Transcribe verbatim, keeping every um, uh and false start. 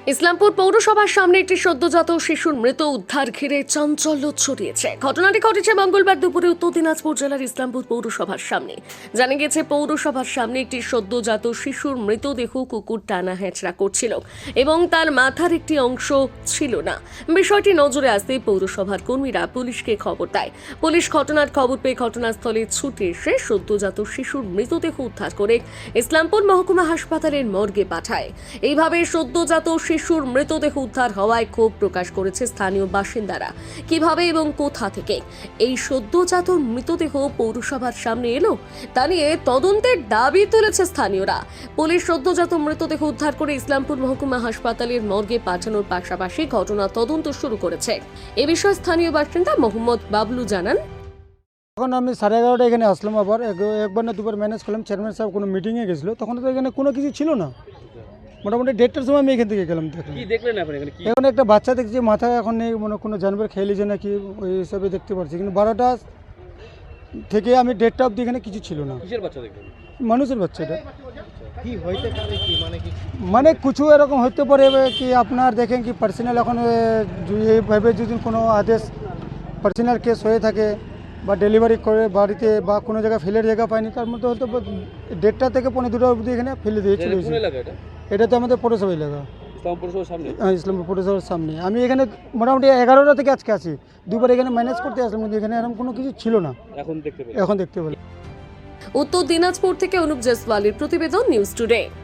ইসলামপুর পৌরসভার সামনে একটি সদ্যজাত শিশুর মৃত উদ্ধার ঘিরে চাঞ্চল্য ছড়িয়েছে। ঘটনাটি ঘটেছে মঙ্গলবার দুপুরে উত্তর দিনাজপুর জেলার ইসলামপুর পৌরসভার সামনে। জানা গেছে, পৌরসভার সামনে একটি সদ্যজাত শিশুর মৃতদেহ কুকুর টানা হেঁচড়া করছিল এবং তার মাথার একটি অংশ ছিল না। বিষয়টি নজরে আসতেই পৌরসভার কর্মীরা পুলিশকে খবর দেয়। পুলিশ ঘটনার খবর পেয়ে ঘটনাস্থলে ছুটে এসে সদ্যজাত শিশুর মৃতদেহ উদ্ধার করে ইসলামপুর মহকুমা হাসপাতালের মর্গে পাঠায়। এইভাবে সদ্যজাত শিশুর মৃতদেহ উদ্ধার হওয়ায় ক্ষোভ প্রকাশ করেছে স্থানীয় বাসিন্দারা। কিভাবে এবং কোথা থেকে এই সদ্যজাত মৃতদেহ পৌরসভার সামনে এলো তা নিয়ে তদন্তের দাবি তুলেছে স্থানীয়রা। পুলিশ সদ্যজাত মৃতদেহ উদ্ধার করে ইসলামপুর মহকুমা হাসপাতালের মর্গে পাঠানোর পাশাপাশি ঘটনা তদন্ত শুরু করেছে। এ বিষয়ে স্থানীয় বাসিন্দা মোহাম্মদ বাবলু জানান, তখন আমি সাড়ে এগারোটা এখানে আসলাম, আবার একবার না দুবার ম্যানেজ করলাম। চেয়ারম্যান সাহেব কোনো মিটিংয়ে গেছিলো, তখন তো এখানে কোনো কিছু ছিল না। মোটামুটি দেড়টার সময় আমি এখান থেকে গেলাম। দেখলাম কি দেখলেন আপনি এখানে? কি এখন একটা বাচ্চা দেখছি, মাথায় এখন নেই, মনে কোনো জানবার খেয়ে লিছে নাকি, ওই হিসাবে দেখতে পাচ্ছি। কিন্তু বারোটা থেকে আমি দেড়টা অবধি এখানে কিছু ছিল না। কিসের বাচ্চা দেখলেন? মানুষের বাচ্চা এটা। কি হইতে পারে কি মানে কি মানে কিছু এরকম হতে পারে কি আপনার দেখেন কি পার্সোনাল এখন এইভাবে যদি কোনো আদেশ পার্সোনাল কেস হয়ে থাকে বা ডেলিভারি করে বাড়িতে বা কোনো জায়গায় ফেলের জায়গা পায়নি, তার মধ্যে হয়তো দেড়টা থেকে পনেরো দুটো অবধি এখানে ফেলে দিয়ে চলে কোন এলাকা এটা? এটা তো আমাদের পৌরসভা এলাকা, ইসলাম পৌরসভার সামনে। হ্যাঁ, ইসলামপুর পৌরসভার সামনে। আমি এখানে মোটামুটি এগারোটা থেকে আজকে আছি, দুবার এখানে ম্যানেজ করতে আসলাম, কিন্তু এখানে এরকম কোনো কিছু ছিল না। এখন দেখতে পেলেন? এখন দেখতে পেলাম। উত্তর দিনাজপুর থেকে অনুপ জেসওয়ালের প্রতিবেদন, নিউজ টুডে।